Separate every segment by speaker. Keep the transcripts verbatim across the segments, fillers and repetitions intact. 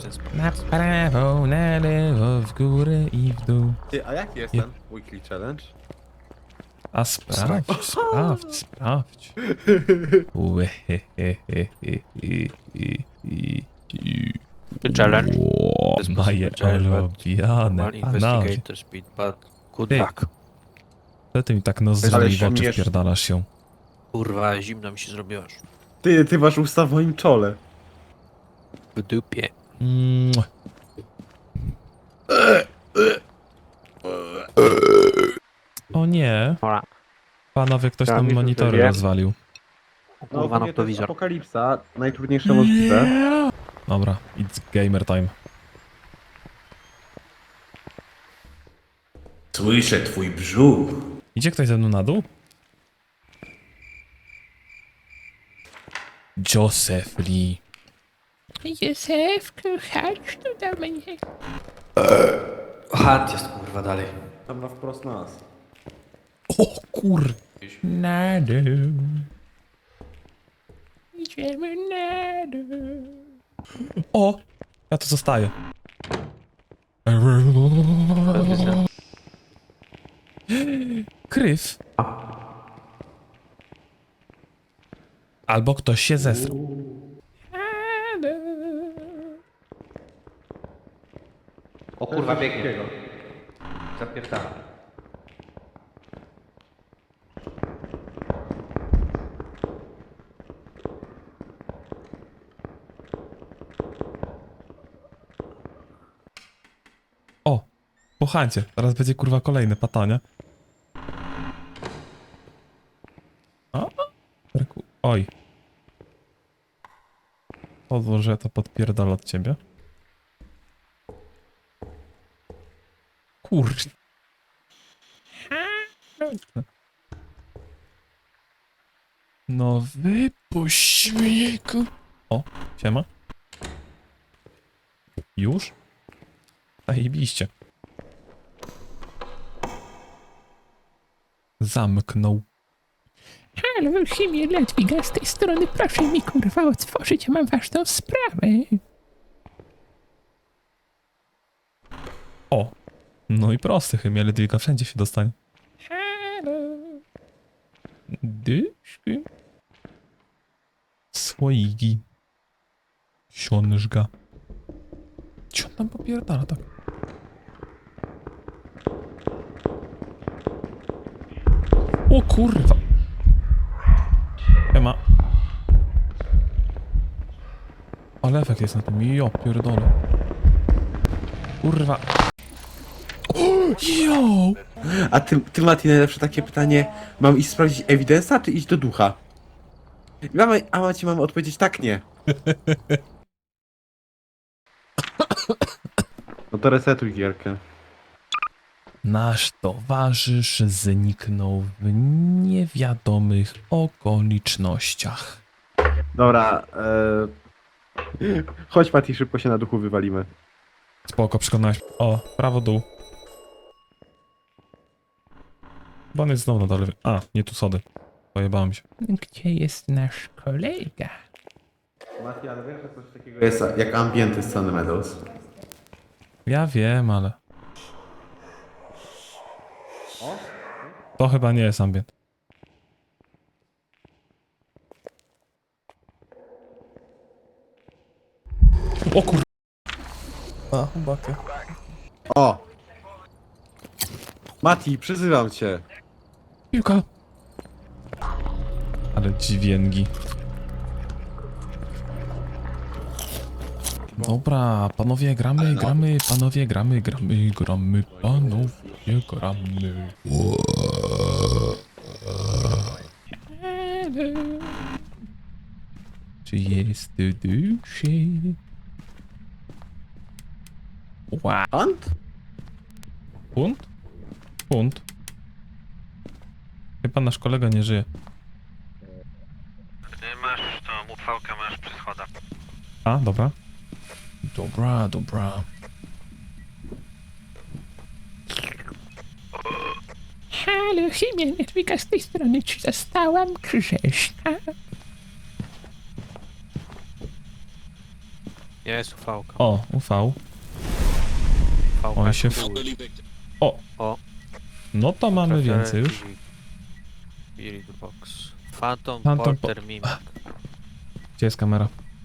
Speaker 1: Na prawo, na lewo, w górę i w dół.
Speaker 2: Ty, a jaki jest
Speaker 1: Je-
Speaker 2: ten weekly challenge?
Speaker 1: A sprawdź, sprawdź, sprawdź. Ue, he, he, he, he, he, he, he.
Speaker 3: Challenge.
Speaker 1: Ło,
Speaker 3: This
Speaker 1: moje
Speaker 3: possible challenge, but
Speaker 1: ulubione
Speaker 3: Mal
Speaker 1: panowie.
Speaker 3: investigator speed, but good
Speaker 1: Ty.
Speaker 3: luck.
Speaker 1: Co ty mi tak nos
Speaker 2: Ale
Speaker 1: w oczy
Speaker 2: śmiesz-
Speaker 1: wpierdalasz się?
Speaker 3: Kurwa, zimno mi się zrobiło już.
Speaker 2: Ty, ty masz usta w moim czole.
Speaker 3: W dupie.
Speaker 1: Mua. O nie,
Speaker 3: Dobra.
Speaker 1: panowie, ktoś
Speaker 2: Ja
Speaker 1: nam
Speaker 2: mi się
Speaker 1: monitory
Speaker 2: wydaje.
Speaker 1: rozwalił.
Speaker 3: O
Speaker 2: No,
Speaker 3: kurwa,
Speaker 2: ogólnie to jest
Speaker 3: noktowizor.
Speaker 2: apokalipsa, najtrudniejsze możliwe.
Speaker 1: Dobra, it's gamer time.
Speaker 4: Słyszę twój brzuch.
Speaker 1: Idzie ktoś ze mną na dół? Joseph Lee.
Speaker 5: Józefku, chodź tu do mnie.
Speaker 4: Chat jest kurwa dalej.
Speaker 2: Tam na wprost nas.
Speaker 1: O kur...
Speaker 5: Na dół. Idziemy na dół.
Speaker 1: O! Ja tu zostaję. Kryw. Albo ktoś się zesrał.
Speaker 5: Na dół.
Speaker 4: O kurwa biegnie. Zapierdala.
Speaker 1: O! Pochańcie. Teraz będzie kurwa kolejne patanie. O! Oj. Pozwól, że ja to podpierdolę od ciebie. Kurde. No wypuść mnie, ku... O, siema. Już? Zajebiście. Zamknął.
Speaker 5: Halo, Chimie Ledwiga z tej strony. Proszę mi kurwa otworzyć, ja mam ważną sprawę.
Speaker 1: O! No i prosty, chemia Ledwiga wszędzie się dostanie.
Speaker 5: Halo.
Speaker 1: Dyszki. Słoiki. Siążga. Co on tam popierdala tak? O kurwa. Ema. Ale efekt jest na tym. Jo, pierdolę. Kurwa. Jo!
Speaker 2: A ty, ty Mati, najlepsze takie pytanie. Mam iść sprawdzić ewidensa, czy iść do ducha? I Mamy, a Maci mamy odpowiedzieć tak, nie. No to resetuj gierkę.
Speaker 1: Nasz towarzysz zniknął w niewiadomych okolicznościach.
Speaker 2: Dobra, e... chodź Mati, szybko się na duchu wywalimy.
Speaker 1: Spoko, przekonałeś. O, prawo dół. Bo on jest znowu na dole. A, nie tu sody. Pojebałem się.
Speaker 5: Gdzie jest nasz kolega?
Speaker 2: Mati, ale wiesz, że coś takiego jest jak ambienty z Sunny Meadows?
Speaker 1: Ja wiem, ale... To chyba nie jest ambient. O kur... A, bakę.
Speaker 2: O! Mati, przyzywam cię.
Speaker 1: Piłka. Ale dźwięki. Dobra, panowie gramy, gramy, panowie gramy, gramy, gramy, panowie gramy.
Speaker 5: Halo.
Speaker 1: Czy jest tu duszy? Wow.
Speaker 2: Ant?
Speaker 1: Punt? Punt. Chyba nasz kolega nie żyje.
Speaker 3: Masz tą uchwałkę, masz przy schodach.
Speaker 1: A, dobra. Dobra, dobra.
Speaker 5: Halo, Chimie Ledwiga z tej strony. Czy zostałam grzeszna?
Speaker 3: Jest ufałka.
Speaker 1: O, U V.
Speaker 3: Ufałka
Speaker 1: on się
Speaker 3: jest
Speaker 1: w-
Speaker 3: chuj.
Speaker 1: O!
Speaker 3: O.
Speaker 1: No to mamy więcej już.
Speaker 3: Spirit Box. Phantom,
Speaker 1: Phantom
Speaker 3: Porter Mimic.
Speaker 1: Gdzie jest kamera?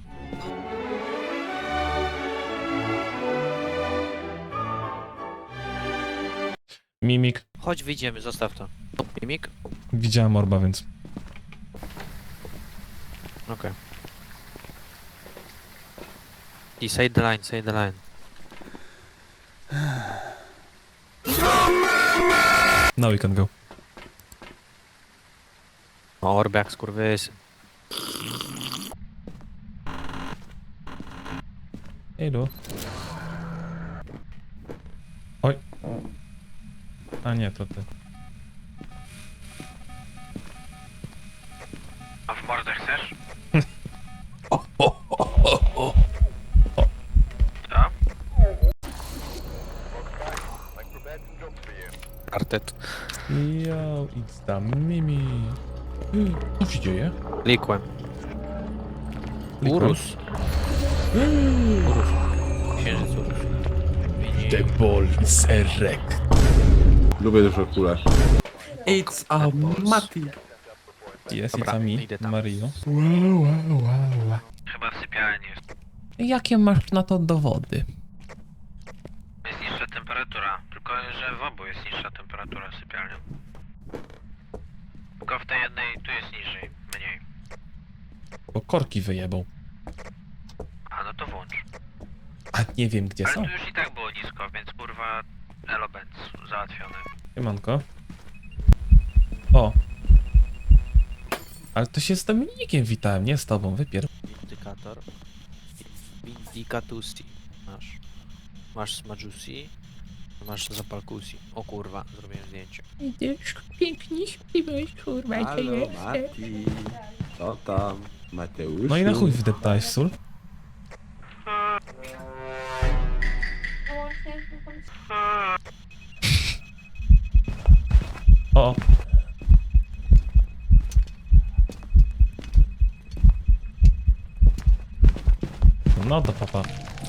Speaker 1: Mimik.
Speaker 3: Chodź, wyjdziemy, zostaw to. Mimik?
Speaker 1: Widziałem orba, więc...
Speaker 3: Okej. I side the line, side the line.
Speaker 1: Now we can go.
Speaker 3: O, orb jak skurwysyn.
Speaker 1: Ejdu. Oj. A nie, to ty.
Speaker 3: A w mordę chcesz? Artet.
Speaker 1: Yo, it's the Mimi. Co się dzieje?
Speaker 3: Likłem.
Speaker 1: Likłem?
Speaker 3: Urus. Urus. Księżyc Urus.
Speaker 1: The ball serek.
Speaker 2: Lubię dużo kulę. It's a Mati.
Speaker 1: Jest,
Speaker 3: Dobra,
Speaker 1: it's a me,
Speaker 3: idę tam.
Speaker 1: Mario.
Speaker 3: Chyba w sypialni jest.
Speaker 1: Jakie masz na to dowody?
Speaker 3: Jest niższa temperatura. Tylko, że w obu jest niższa temperatura sypialnia. Tylko w tej jednej tu jest niżej. Mniej.
Speaker 1: Bo korki wyjebał.
Speaker 3: A no to włącz.
Speaker 1: A nie wiem gdzie
Speaker 3: Ale
Speaker 1: są.
Speaker 3: tu już i tak było nisko, więc kurwa Elobenz załatwione.
Speaker 1: Siemanko. O. Ale to się z Dominikiem witałem, nie z tobą, wypier...
Speaker 3: Indykator. Indicatusi. Masz. Masz smadżusi. Masz zapalkusi. O kurwa, zrobiłem zdjęcie.
Speaker 5: Idziesz pięknie śpiewałeś, kurwa,
Speaker 2: Halo,
Speaker 5: cię
Speaker 2: Mati. Co tam? Mateusz?
Speaker 1: No i na chuj wdeptałeś sól. O. No to papa.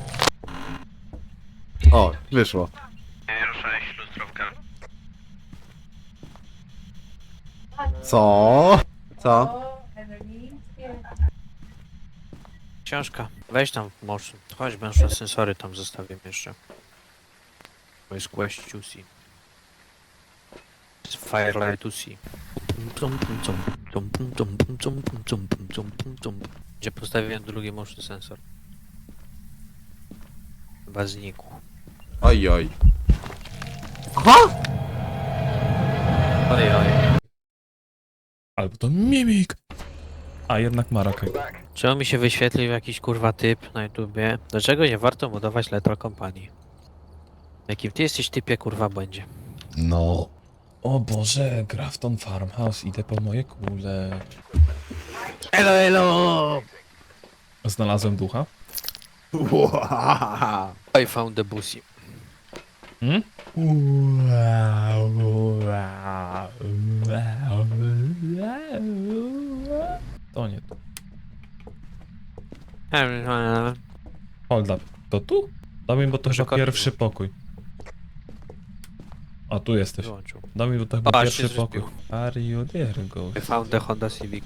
Speaker 2: O, wyszło.
Speaker 3: Ruszałeś lustrowkę.
Speaker 2: Co? Co?
Speaker 3: Książka. Weź tam motion. Chodź, będę sensory tam zostawię jeszcze. To jest Quest Juicy. To jest Firelight Juicy. Gdzie postawiłem drugi motion sensor. Chyba znikł.
Speaker 2: Oj, oj. Aha!
Speaker 3: Oj, oj.
Speaker 1: Albo to mimik. A jednak Marakaj.
Speaker 3: Czemu mi się wyświetlił jakiś kurwa typ na YouTubie? Dlaczego nie warto budować Lethal Company? Jakim ty jesteś typie kurwa będzie?
Speaker 1: No. O Boże, Grafton Farmhouse, idę po moje kule.
Speaker 3: Elo, elo!
Speaker 1: Znalazłem ducha.
Speaker 2: Wow.
Speaker 3: I found the bussy.
Speaker 1: Hmm? To nie to. Hold up. To tu? Daj mi, bo to
Speaker 3: Może
Speaker 1: chyba
Speaker 3: korki
Speaker 1: pierwszy pokój. A tu jesteś.
Speaker 3: Wyłączył.
Speaker 1: Daj mi, bo to chyba
Speaker 3: O,
Speaker 1: pierwszy
Speaker 3: się
Speaker 1: pokój.
Speaker 3: zrespił.
Speaker 1: Are you there, ghost?
Speaker 3: I found the Honda Civic.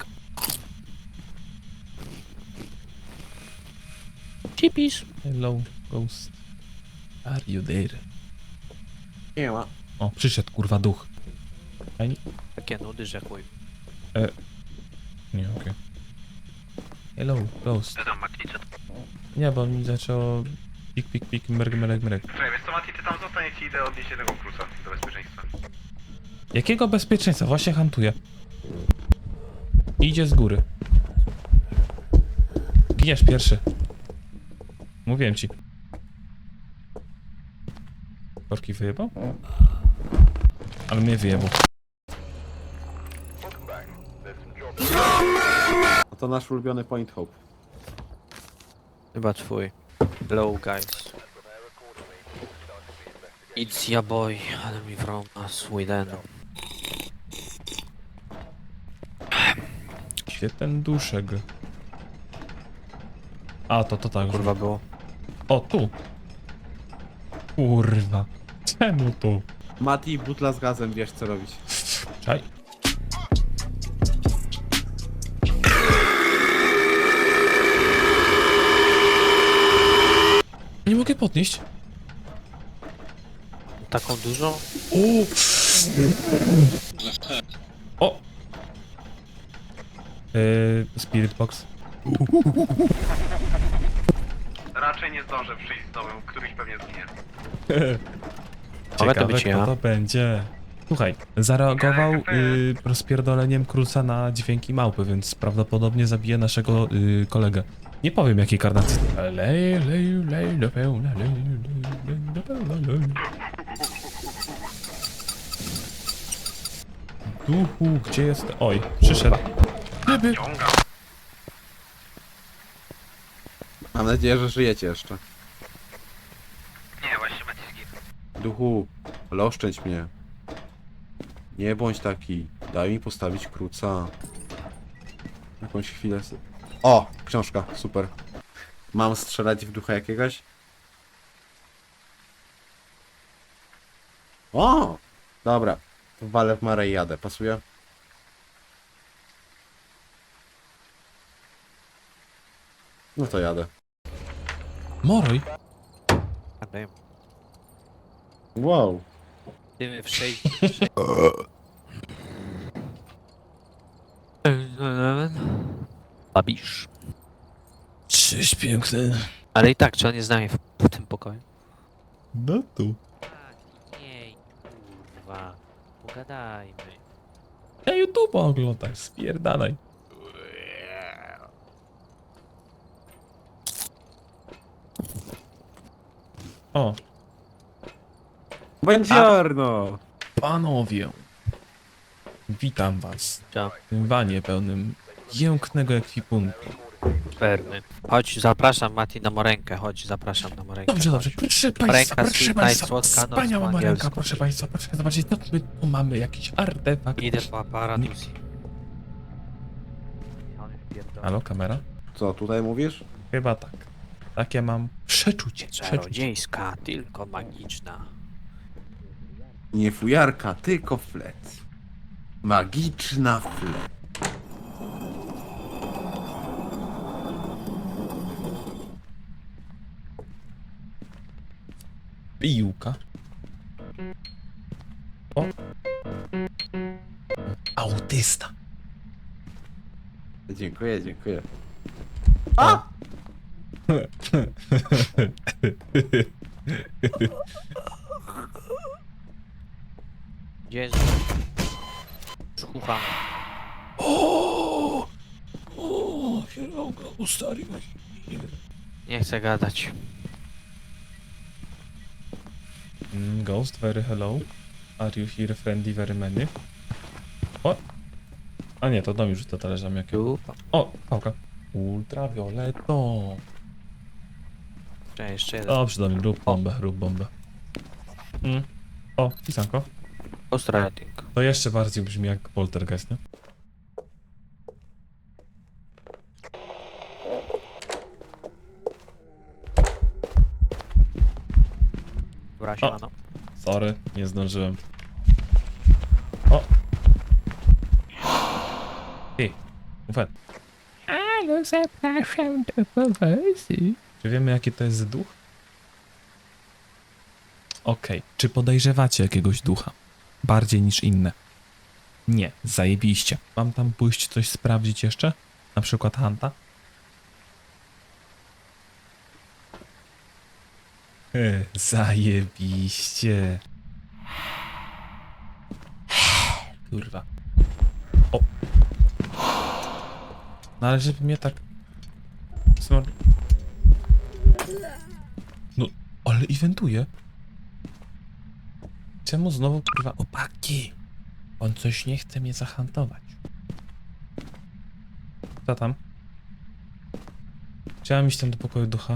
Speaker 3: Chippies.
Speaker 1: Hello, ghost. Are you there?
Speaker 2: Nie ma.
Speaker 1: O, przyszedł kurwa duch. Fajnie?
Speaker 3: Takie nudy, że chuj.
Speaker 1: Nie, okej. Hello, ghost.
Speaker 3: Co tam Mati, co
Speaker 1: Nie, bo mi zaczęło pik, pik, pik, mrg, mrg, mrg.
Speaker 6: Słuchaj, wiesz co Mati, ty tam zostań, ja ci idę odnieść jednego kruca do bezpieczeństwa.
Speaker 1: Jakiego bezpieczeństwa? Właśnie hantuję. Idzie z góry. Giniesz pierwszy. Mówiłem ci. Korki wyjebał? Ale mnie wyjebał.
Speaker 2: A to nasz ulubiony Point Hope.
Speaker 3: Chyba twój. Hello guys. It's ya boy, ale mi from Sweden.
Speaker 1: Gdzie ten duszek? A, to to tak.
Speaker 3: Kurwa było.
Speaker 1: O, tu. Kurwa. Czemu tu?
Speaker 2: Mati, butla z gazem, wiesz co robić.
Speaker 1: Czaj. Nie mogę podnieść.
Speaker 3: Taką dużą?
Speaker 1: O! O! Yy, Spirit Box.
Speaker 6: Raczej nie zdążę przyjść z domem, któryś pewnie zginie.
Speaker 3: Mogę to
Speaker 1: Ciekawe,
Speaker 3: być
Speaker 1: kto
Speaker 3: ja.
Speaker 1: to będzie. Słuchaj, zareagował yy, rozpierdoleniem kruca na dźwięki małpy, więc prawdopodobnie zabije naszego yy, kolegę. Nie powiem jakiej karnacji. Lej, lej, lej, do pełna, lej, lej, lej, do pełna, lej. Duchu, gdzie jest? Oj, przyszedł. Gdyby.
Speaker 6: Ciągam.
Speaker 2: Mam nadzieję, że żyjecie jeszcze.
Speaker 6: Nie, właśnie Mati zginął.
Speaker 2: Duchu, ale oszczędź mnie. Nie bądź taki. Daj mi postawić kruca. Jakąś chwilę. s- O! Książka, super. Mam strzelać w ducha jakiegoś? O! Dobra. To walę w marę i jadę. Pasuje? No to jadę.
Speaker 1: Moroj.
Speaker 3: Wiem.
Speaker 2: Wow.
Speaker 3: Dymy w sześć. Babisz.
Speaker 1: Cześć, piękny.
Speaker 3: Ale i tak, czy on jest z nami w, w tym pokoju?
Speaker 1: No tu.
Speaker 3: Nie, kurwa. Pogadajmy.
Speaker 1: Ja YouTube oglądaj, spierdalaj. O,
Speaker 2: Buongiorno!
Speaker 1: panowie. Witam was
Speaker 3: Ciao.
Speaker 1: w tym wanie pełnym jęknego ekwipunku.
Speaker 3: Permy. Chodź, zapraszam Mati na morenkę, chodź, zapraszam na morenkę.
Speaker 1: Dobrze, dobrze,
Speaker 3: chodź.
Speaker 1: proszę
Speaker 3: Ręka
Speaker 1: państwa, proszę
Speaker 3: sweet
Speaker 1: państwa,
Speaker 3: night, słodka noc
Speaker 1: wspaniała
Speaker 3: po
Speaker 1: marenka,
Speaker 3: angielsku.
Speaker 1: proszę państwa, proszę zobaczyć, no my tu mamy jakiś artefakt.
Speaker 3: Idę po aparatus. On już pierdolę.
Speaker 1: Halo, kamera?
Speaker 2: Co tutaj mówisz?
Speaker 1: Chyba tak. Takie mam przeczucie, przeczucie.
Speaker 3: Czarodziejska, tylko magiczna.
Speaker 2: Nie fujarka, tylko flet. Magiczna flet.
Speaker 1: Piłka. O. Autysta.
Speaker 2: Dziękuję, dziękuję.
Speaker 3: Gdzie jest? Słucham.
Speaker 1: O! O, kierowka ustaliłeś.
Speaker 3: Nie chcę gadać.
Speaker 1: Mm, Ghost, very hello. Are you here friendly very many? O! A nie, to dom już to talerzami jakie.
Speaker 3: Tu.
Speaker 1: O, pałka. Ultravioleto.
Speaker 3: Cześć, jeszcze jeden.
Speaker 1: Dobrze, do mnie, rób bombę, rób bombę. Mm. O, pisanko.
Speaker 3: Ghostwriting.
Speaker 1: To jeszcze bardziej brzmi jak poltergeist, nie?
Speaker 3: Dobra, siemano.
Speaker 1: Sorry, nie zdążyłem. O! Ej, ufet.
Speaker 5: Halo, zapraszam do powozu.
Speaker 1: Czy wiemy jaki to jest duch? Okej, czy podejrzewacie jakiegoś ducha? Bardziej niż inne? Nie, zajebiście. Mam tam pójść coś sprawdzić jeszcze? Na przykład Hanta? E, zajebiście. Kurwa. O. No ale żeby mnie tak... Smor... No, ale eventuje. Czemu znowu kurwa opaki? On coś nie chce mnie zahantować. Co tam? Chciałem iść tam do pokoju ducha.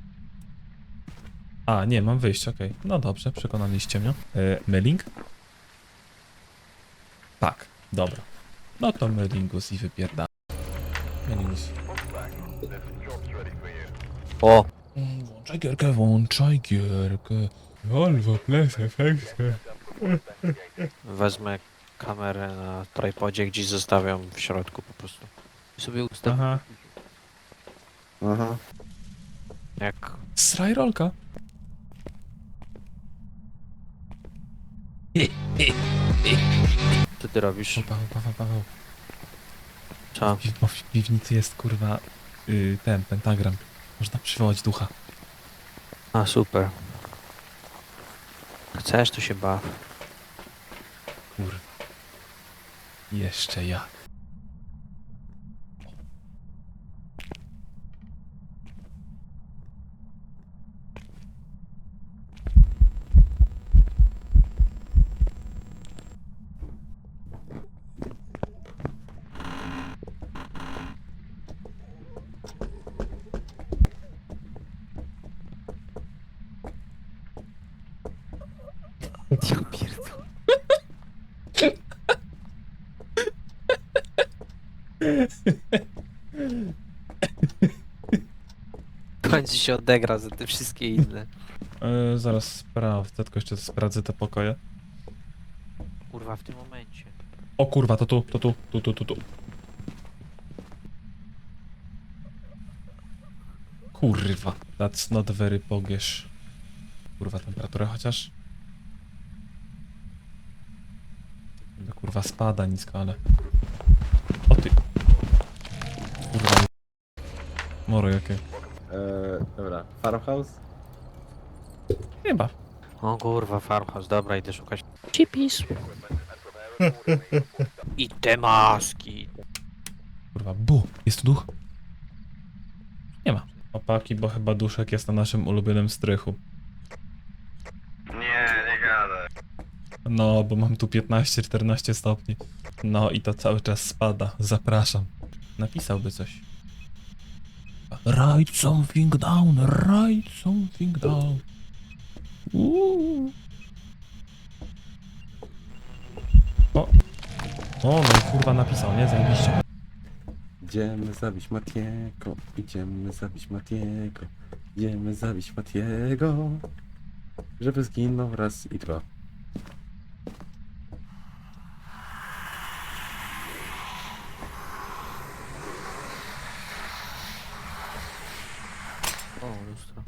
Speaker 1: A, nie, mam wyjść, okej. No dobrze, przekonaliście mnie. E, mailing? Tak, dobra. No to mailingus i wypierda. Mailingus.
Speaker 3: O!
Speaker 1: Mm, włącz Włączaj gierkę, włączaj gierkę. Albo Plus efekty.
Speaker 3: Wezmę kamerę na tripodzie, gdzieś zostawiam w środku po prostu. I sobie ustawię
Speaker 1: Aha.
Speaker 2: Aha.
Speaker 3: jak...
Speaker 1: Sraj rolka.
Speaker 3: Co ty robisz?
Speaker 1: O, Paweł, Paweł, Paweł.
Speaker 3: Co?
Speaker 1: Pi- Bo w piwnicy jest kurwa y, ten pentagram. Można przywołać ducha.
Speaker 3: A, super. Chcesz, to się baw.
Speaker 1: Kurwa. Jeszcze jak.
Speaker 3: Ja pierdolę. W końcu się odegra za te wszystkie inne.
Speaker 1: E, zaraz sprawdzę, tylko jeszcze sprawdzę te pokoje.
Speaker 3: Kurwa, w tym momencie.
Speaker 1: O kurwa, to tu, to tu, tu, tu, tu, tu. Kurwa, that's not very pogiesz. Kurwa, temperatura chociaż. Niby, kurwa, spada nisko, ale... O ty. Kurwa. Moro jakie.
Speaker 2: Eee, dobra. Farmhouse?
Speaker 1: Chyba.
Speaker 3: O kurwa, farmhouse, dobra, idę szukać.
Speaker 5: Chipis.
Speaker 3: I te maski.
Speaker 1: Kurwa, bu. Jest tu duch? Nie ma. Opaki, bo chyba duszek jest na naszym ulubionym strychu.
Speaker 6: Nie, nie gadaj.
Speaker 1: No, bo mam tu piętnaście czternaście stopni. No i to cały czas spada. Zapraszam. Napisałby coś. Write something down, write something down. Uuu. O. O, no i kurwa napisał, nie? Zajebiście.
Speaker 2: Idziemy zabić Matiego. Idziemy zabić Matiego. Idziemy zabić Matiego. Żeby zginął raz i dwa.
Speaker 3: O, lustro.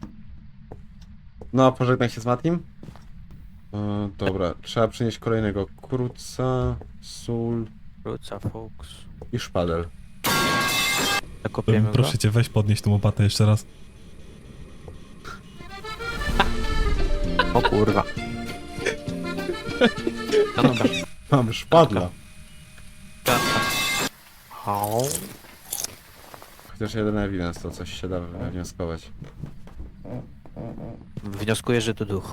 Speaker 2: No, pożegnaj się z Matim. E, dobra, trzeba przynieść kolejnego kruca, sól
Speaker 3: Wróca, Fox.
Speaker 2: i szpadel.
Speaker 3: Zakopiemy
Speaker 1: Proszę
Speaker 3: go?
Speaker 1: cię, weź podnieść tą łopatę jeszcze raz.
Speaker 3: O kurwa. No dobra.
Speaker 2: Mam szpadla.
Speaker 3: O.
Speaker 2: Chociaż jeden evidence, to coś się da wywnioskować.
Speaker 3: Wnioskuję, że to duch.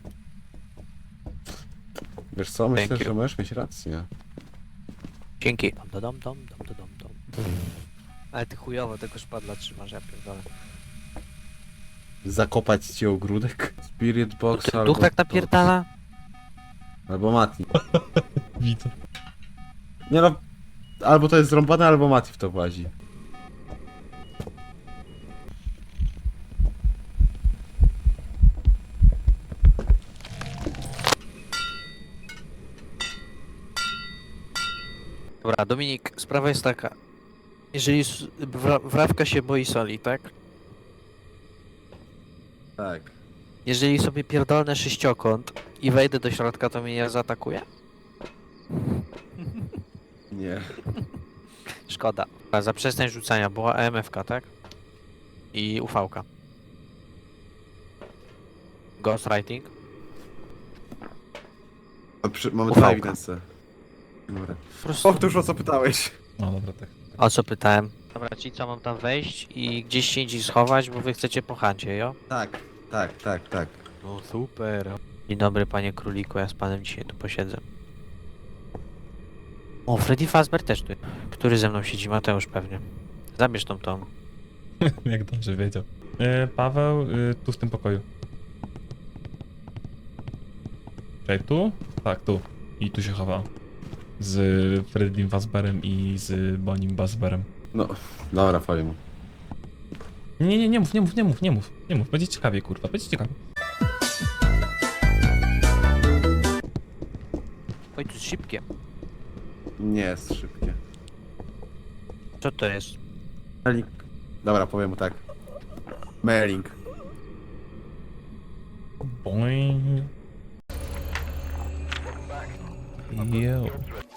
Speaker 2: Wiesz co, myślę,
Speaker 3: Thank you.
Speaker 2: że możesz mieć rację.
Speaker 3: Dzięki. Dom, dom, dom, dom, dom, dom, dom. Ale ty chujowo tego szpadla trzymasz, ja pierdolę.
Speaker 2: Zakopać ci ogródek? Spirit box
Speaker 3: Ten
Speaker 2: albo...
Speaker 3: duch tak napierdala?
Speaker 2: Albo Mati.
Speaker 1: Widzę.
Speaker 2: Nie no, albo to jest zrąbane, albo Mati w to włazi.
Speaker 3: Dobra, Dominik, sprawa jest taka. Jeżeli s- wra wrawka się boi soli, tak?
Speaker 2: Tak.
Speaker 3: Jeżeli sobie pierdolnę sześciokąt i wejdę do środka, to mnie nie zaatakuje?
Speaker 2: Nie.
Speaker 3: Szkoda. A za przestań rzucania była E M F K, tak? I U V K. Ghostwriting.
Speaker 2: A przy, mamy
Speaker 3: Ufałka.
Speaker 2: dwa evidence. Dobra.
Speaker 3: Po prostu...
Speaker 2: Powtórz, o co pytałeś.
Speaker 1: No dobra, tak.
Speaker 3: O co pytałem? Dobra, czyli co, mam tam wejść i gdzieś się indziej schować, bo wy chcecie po chancie, jo?
Speaker 2: Tak, tak, tak, tak.
Speaker 3: No super. Dzień dobry, panie króliku, ja z panem dzisiaj tu posiedzę. O, Freddy Fazbear też tu. Który ze mną siedzi? Mateusz pewnie. Zabierz tą tą.
Speaker 1: Jak dobrze wiedział. E, Paweł, y, tu w tym pokoju. Czekaj, tu? Tak, tu. I tu się chował. Z Freddym Fazbearem i z Bonim Fazbearem.
Speaker 2: No, dobra, powiem mu.
Speaker 1: Nie, nie, nie mów, nie mów, nie mów, nie mów, nie mów. Będzie ciekawie, kurwa, będzie ciekawie.
Speaker 3: Oj, tu jest szybkie.
Speaker 2: Nie jest szybkie.
Speaker 3: Co to jest?
Speaker 2: Merlink. Dobra, powiem mu tak. Merlink.
Speaker 1: Boing. Yo.